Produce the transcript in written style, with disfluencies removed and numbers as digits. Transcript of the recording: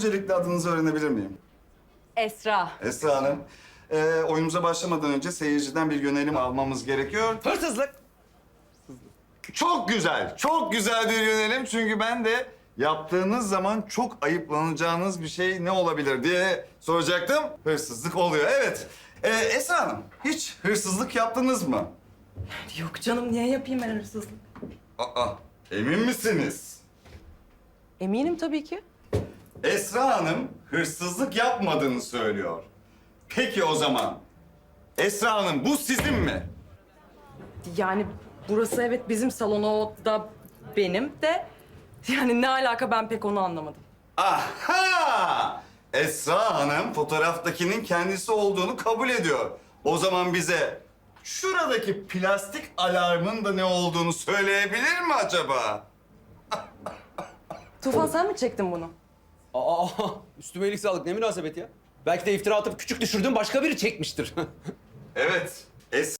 Öncelikle adınızı öğrenebilir miyim? Esra. Esra Hanım. Oyunumuza başlamadan önce seyirciden bir yönelim almamız gerekiyor. Hırsızlık. Çok güzel, çok güzel bir yönelim. Çünkü ben de yaptığınız zaman çok ayıplanacağınız bir şey ne olabilir diye soracaktım. Hırsızlık oluyor, evet. Esra Hanım, hiç hırsızlık yaptınız mı? Yok canım, niye yapayım ben hırsızlık? Aa, emin misiniz? Eminim tabii ki. Esra Hanım hırsızlık yapmadığını söylüyor. Peki o zaman Esra Hanım bu sizin mi? Yani burası evet bizim salon, o da benim de. Yani ne alaka, ben pek onu anlamadım. Aha! Esra Hanım fotoğraftakinin kendisi olduğunu kabul ediyor. O zaman bize şuradaki plastik alarmın da ne olduğunu söyleyebilir mi acaba? Tufan, sen mi çektin bunu? Aa, üstüme iyilik sağlık. Ne münasebet ya? Belki de iftira atıp küçük düşürdüğüm başka biri çekmiştir. Evet.